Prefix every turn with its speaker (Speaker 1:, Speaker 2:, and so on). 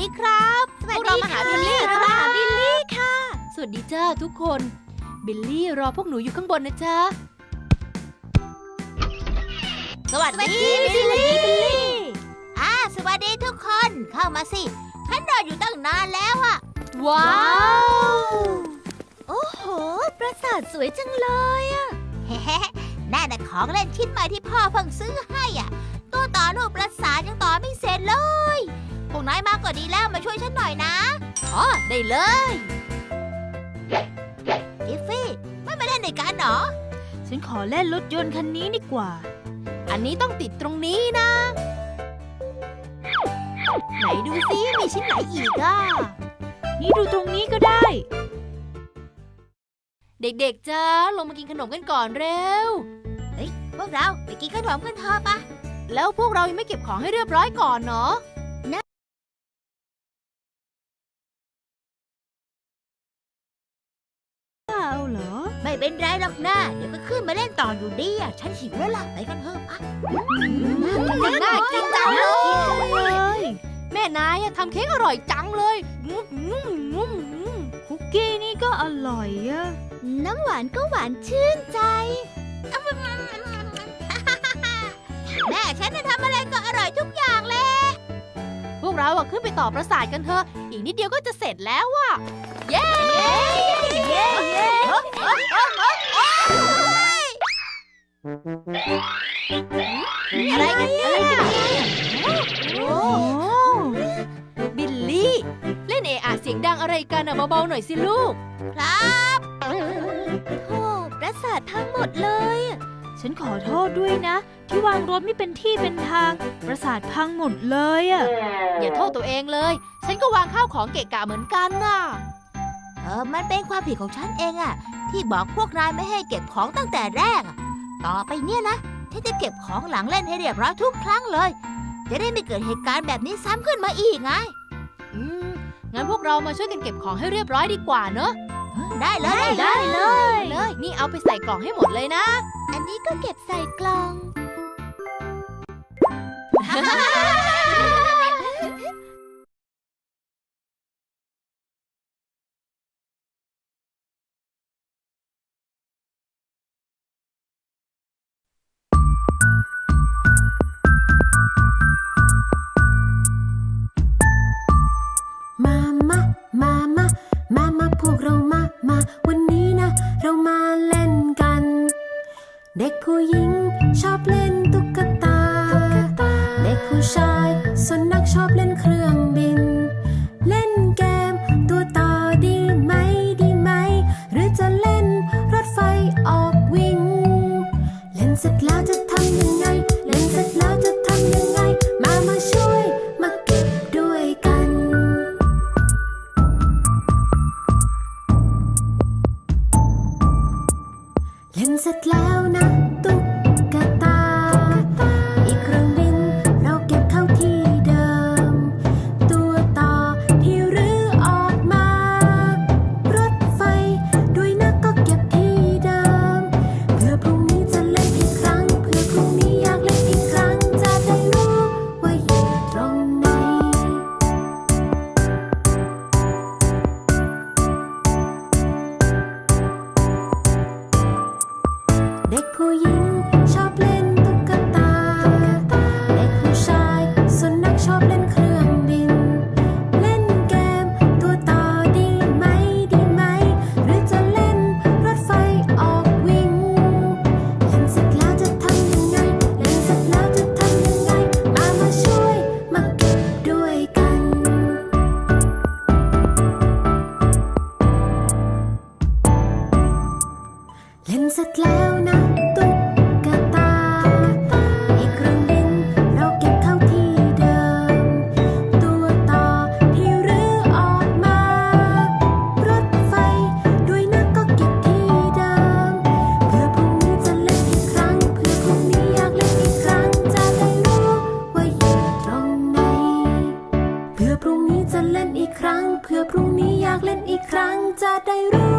Speaker 1: ครับพวกเรามาหาบิลลี่ครับ
Speaker 2: บิลลี่ค่ะ
Speaker 3: สวัสดีจ้าทุกคนบิลลี่รอพวกหนูอยู่ข้างบนนะจ๊ะ
Speaker 1: สวัสดีบิลลี่สวัสดีทุกคนเข้ามาสิฉันรออยู่ตั้งนานแล้วอะ
Speaker 3: ว้าว
Speaker 2: โอ้โห ปราสาทสวยจังเลยอะ
Speaker 1: เฮ้น่าแต่ของเล่นชิ้นใหม่ที่พ่อเพิ่งซื้อให้อ่ะตัวต่อรูปปราสาทยังต่อไม่เสร็จเลยพวกนายมาก็ดีแล้วมาช่วยฉันหน่อยนะอ๋อได้เลยกิฟฟี่ไม่มาเล่นในกันเหรอ
Speaker 2: ฉันขอเล่นรถยนต์คันนี้ดีกว่า
Speaker 3: อันนี้ต้องติดตรงนี้นะ ไหนดูซิมีชิ้นไหนอีกอ่ะ
Speaker 2: นี่ดูตรงนี้ก็ได้
Speaker 3: เด็กๆจ้าลงมากินขนมกันก่อนเร็ว
Speaker 1: พวกเราไปกินขนมกันเถอะปะ
Speaker 3: แล้วพวกเรายังไม่เก็บของให้เรียบร้อยก่อนเนาะ
Speaker 2: เอาเหรอ
Speaker 1: ไม่เป็นไรหรอกนะเดี๋ยวก็ขึ้นมาเล่นต่ออยู่ดีอ่ะฉันหิวแล้วล่ะไปกันเถอะปะ
Speaker 3: น่ากินจังเลย
Speaker 2: เลย
Speaker 3: แม่นายอะทำเค้กอร่อยจังเลยงุ้มงุ้มงุ้มงุ้ม
Speaker 2: คุกกี้นี่ก็อร่อยอะ
Speaker 1: น้ำหวานก็หวานชื่นใจแม่ฉันจะทำอะไรก็อร่อยทุกอย่างเลย
Speaker 3: พวกเราอะขึ้นไปต่อปราสาทกันเถอะอีกนิดเดียวก็จะเสร็จแล้วอะเย้
Speaker 2: เย้เย้
Speaker 1: อะไรกันเนี่ย
Speaker 2: โอ้
Speaker 3: บิลลี่ เล่นเอะอะเสียงดังอะไรกันอะเบาๆหน่อยสิลูก
Speaker 1: ครับ
Speaker 2: โหปราสาทพังหมดเลยอะฉันขอโทษด้วยนะ ที่วางรถไม่เป็นที่เป็นทาง ปราสาทพังหมดเลยอะ
Speaker 3: อย่าโทษตัวเองเลย ฉันก็วางข้าวของเกะกะเหมือนกันน่ะ
Speaker 1: มันเป็นความผิดของฉันเองอะที่บอกพวกนายไม่ให้เก็บของตั้งแต่แรกอะต่อไปเนี่ยนะฉันจะเก็บของหลังเล่นให้เรียบร้อยทุกครั้งเลย จะได้ไม่เกิดเหตุการณ์แบบนี้ซ้ำขึ้นมาอีกไง
Speaker 3: งั้นพวกเรามาช่วยกันเก็บของให้เรียบร้อยดีกว่าเนอะ
Speaker 1: ได้เลย
Speaker 2: ได้เลย
Speaker 3: นี่เอาไปใส่กล่องให้หมดเลยนะ
Speaker 1: อันนี้ก็เก็บใส่กล่อง
Speaker 4: มาพวกเรามาวันนี้นะ เรามาเล่นกัน เด็กผู้หญิงชอบเล่นตุ๊กตา เด็กผู้ชายส่วนนักชอบเล่นเครื่องบิน เล่นเกมตัวต่อดีไหม หรือจะเล่นรถไฟออกวิ่ง เล่นเสร็จแล้วจะทำยังไง เล่นเสร็จแล้วจะทำยังไง มาช่วยมาเก็บด้วยกัน เล่นเสร็จแล้วนะตุ๊กตา อีกเครื่องบินเราเก็บเข้าที่เดิม ตัวต่อที่รื้อออกมา รถไฟด้วยนะก็เก็บที่เดิม เพื่อพรุ่งนี้จะเล่นอีกครั้ง เพื่อพรุ่งนี้อยากเล่นอีกครั้ง จะได้รู้ว่าอยู่ตรงไหน เด็กผู้หญิงชอบเล่นตุ๊กตา เด็กผู้ชายส่วนนักชอบเล่นเครื่องบิน เล่นเกมตัวต่อดีไหม หรือจะเล่นรถไฟออกวิ่ง เล่นเสร็จแล้วจะทำยังไง เล่นเสร็จแล้วจะทำยังไง มาช่วยมาเก็บด้วยกัน เล่นเสร็จแล้วนะตุ๊กตา อีกเครื่องบินเราเก็บเข้าที่เดิม ตัวต่อที่รื้อออกมา รถไฟด้วยนะก็เก็บที่เดิม เพื่อพรุ่งนี้จะเล่นอีกครั้ง เพื่อพรุ่งนี้อยากเล่นอีกครั้ง จะได้รู้ว่าอยู่ตรงไหน เพื่อพรุ่งนี้จะเล่นอีกครั้ง เพื่อพรุ่งนี้อยากเล่นอีกครั้ง จะได้รู้